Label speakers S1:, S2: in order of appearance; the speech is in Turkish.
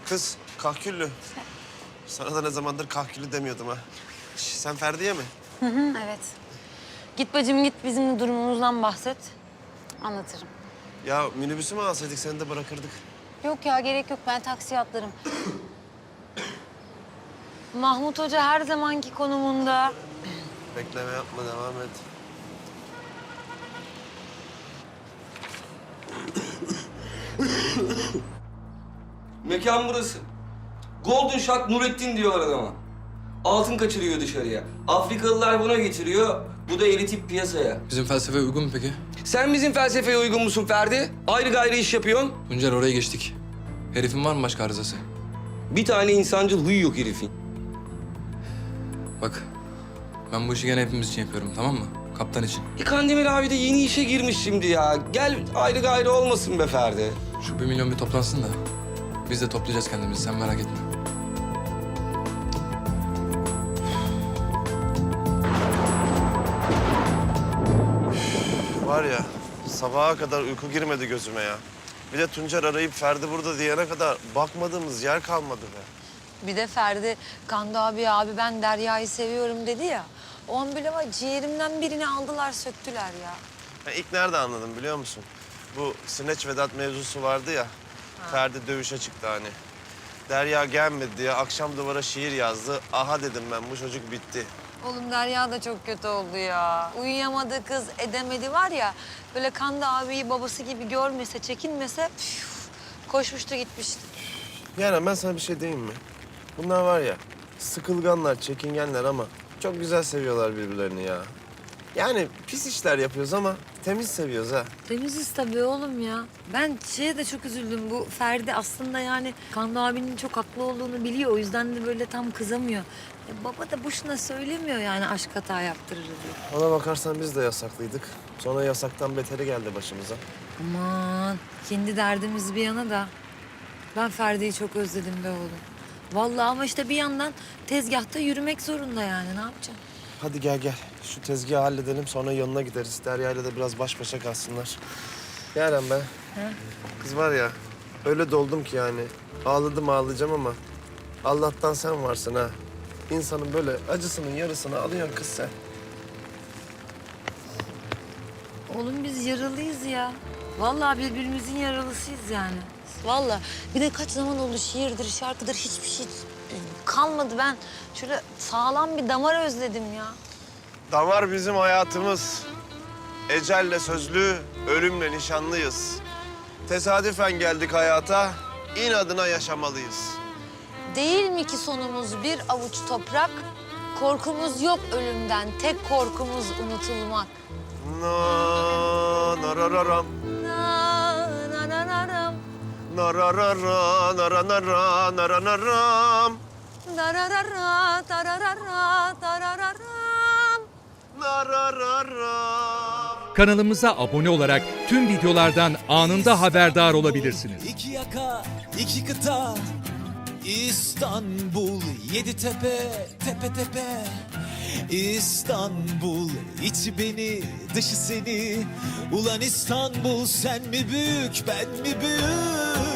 S1: Kız kahküllü. Sana da ne zamandır kahküllü demiyordum ha. Sen Ferdi'ye mi?
S2: Evet. Git bacım git bizim de durumumuzdan bahset. Anlatırım.
S1: Ya minibüsü mü alsaydık seni de bırakırdık.
S2: Yok ya gerek yok ben taksiye atlarım. Mahmut Hoca her zamanki konumunda.
S1: Bekleme yapma, devam et.
S3: Mekan burası. Golden Shot Nurettin diyorlar adama. Altın kaçırıyor dışarıya. Afrikalılar buna getiriyor. Bu da elitip piyasaya.
S4: Bizim felsefeye uygun mu peki?
S3: Sen bizim felsefeye uygun musun Ferdi? Ayrı gayrı iş yapıyorsun.
S4: Tuncer oraya geçtik. Herifin var mı başka arızası?
S3: Bir tane insancıl huyu yok herifin.
S4: Bak, ben bu işi gene hepimiz için yapıyorum, tamam mı? Kaptan için.
S3: Kandemir abi de yeni işe girmiş şimdi ya. Gel ayrı gayrı olmasın be Ferdi.
S4: Şu 1 milyon bir toplansın da biz de toplayacağız kendimizi, sen merak etme.
S1: Var ya, sabaha kadar uyku girmedi gözüme ya. Bir de Tuncer arayıp Ferdi burada diyene kadar bakmadığımız yer kalmadı be.
S2: Bir de Ferdi Kando abi ben Derya'yı seviyorum dedi ya. O an bile var ciğerimden birini aldılar söktüler ya.
S1: Ben ilk nerede anladım biliyor musun? Bu Sineç Vedat mevzusu vardı ya. Ferdi dövüşe çıktı hani. Derya gelmedi diye akşam duvara şiir yazdı. Aha dedim ben, bu çocuk bitti.
S2: Oğlum Derya da çok kötü oldu ya. Uyuyamadı kız edemedi var ya. Böyle Kando abiyi babası gibi görmese çekinmese koşmuştu gitmişti.
S1: Yani ben sana bir şey diyeyim mi? Bunlar var ya, sıkılganlar, çekingenler ama çok güzel seviyorlar birbirlerini ya. Yani pis işler yapıyoruz ama temiz seviyoruz ha.
S2: Temiziz tabii oğlum ya. Ben şeye de çok üzüldüm. Bu Ferdi aslında yani Kando abinin çok haklı olduğunu biliyor. O yüzden de böyle tam kızamıyor. Baba da boşuna söylemiyor yani aşk hata yaptırır diye.
S1: Ona bakarsan biz de yasaklıydık. Sonra yasaktan beteri geldi başımıza.
S2: Aman kendi derdimiz bir yana da ben Ferdi'yi çok özledim be oğlum. Vallahi ama işte bir yandan tezgahta yürümek zorunda yani ne yapacağım?
S1: Hadi gel gel. Şu tezgahı halledelim, sonra yanına gideriz. Derya'yla da biraz baş başa kalsınlar. Yaren be. Kız var ya, öyle doldum ki yani. Ağladım ağlayacağım ama Allah'tan sen varsın ha. İnsanın böyle acısının yarısını alıyorsun kız sen.
S2: Oğlum biz yaralıyız ya. Vallahi birbirimizin yaralısıyız yani. Vallahi bir de kaç zaman oldu şiirdir, şarkıdır hiçbir şey kalmadı. Ben şöyle sağlam bir damar özledim ya.
S1: Damar bizim hayatımız. Ecelle sözlü, ölümle nişanlıyız. Tesadüfen geldik hayata, inadına yaşamalıyız.
S2: Değil mi ki sonumuz bir avuç toprak? Korkumuz yok ölümden, tek korkumuz unutulmak.
S1: Na narararam,
S2: Na, na, na, na, ram.
S1: nararara, naranara, naranaram,
S2: Dararara, tararara, tarararam.
S1: narararam.
S5: Kanalımıza abone olarak tüm videolardan anında haberdar olabilirsiniz.
S6: İki yaka, iki kıta, İstanbul, yedi tepe, tepe tepe. İstanbul, içi beni, dışı seni. Ulan İstanbul, sen mi büyük, ben mi büyük?